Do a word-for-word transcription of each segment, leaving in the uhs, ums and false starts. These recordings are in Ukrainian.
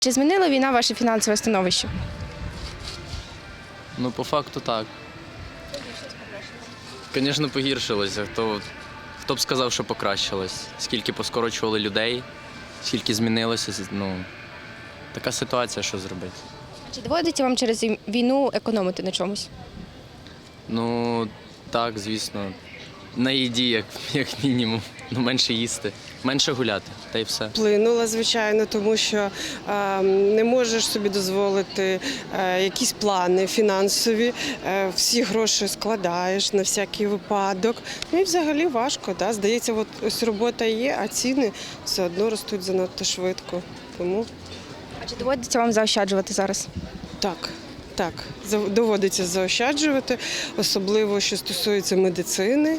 Чи змінила війна ваше фінансове становище? Ну, по факту так. Звісно, погіршилося. Хто, хто б сказав, що покращилось? Скільки поскорочували людей, скільки змінилося. Ну, така ситуація, що зробити. Чи доводиться вам через війну економити на чомусь? Ну, так, звісно. На їді, як, як мінімум. Ну, менше їсти, менше гуляти, та й все. Вплинула, звичайно, тому що е, не можеш собі дозволити е, якісь плани фінансові, е, всі гроші складаєш на всякий випадок. Ну і взагалі важко. Да? Здається, от ось робота є, а ціни все одно ростуть занадто швидко. Тому А чи доводиться вам заощаджувати зараз? так. Так, доводиться заощаджувати, особливо, що стосується медицини,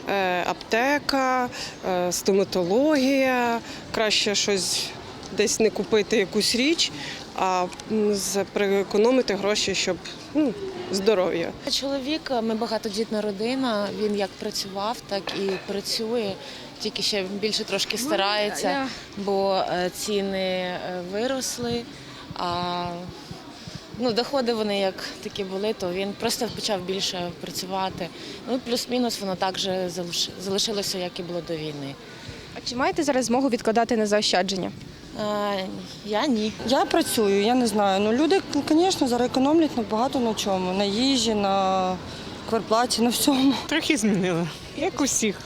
аптека, стоматологія. Краще щось десь не купити якусь річ, а економити гроші, щоб ну, здоров'я. Чоловік, ми багатодітна родина, він як працював, так і працює, тільки ще більше трошки старається, бо ціни виросли. А Ну, доходи вони як такі були, то він просто почав більше працювати. Ну, плюс-мінус воно так же залишилося, як і було до війни. А чи маєте зараз змогу відкладати на заощадження? А, я ні. Я працюю, я не знаю. Ну, люди, звісно, зараз економлять на багато на чому. На їжі, на квартплаті, на всьому. Трохи змінили, як усіх.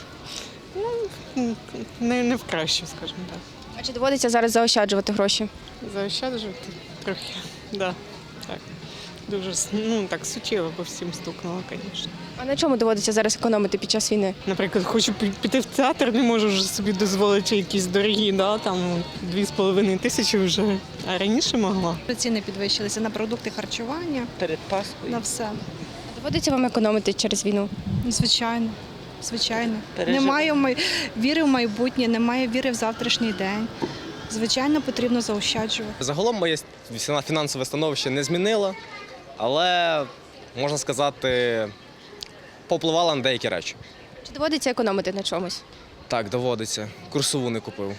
Ну, не, не в краще, скажімо так. А чи доводиться зараз заощаджувати гроші? Заощаджувати трохи, да, так. Дуже ну, так суттєво по всім стукнуло, звісно. А на чому доводиться зараз економити під час війни? Наприклад, хочу піти в театр, не можу вже собі дозволити якісь дорогі, да, там дві з половиною тисячі вже, а раніше могла. Ціни підвищилися на продукти харчування, Перед Пасхою. на все. Доводиться вам економити через війну? Звичайно, звичайно. Переживемо. Немає май- віри в майбутнє, немає віри в завтрашній день. Звичайно, потрібно заощаджувати. Загалом моє фінансове становище не змінило, але, можна сказати, попливало на деякі речі. Чи доводиться економити на чомусь? Так, доводиться. Курсову не купив.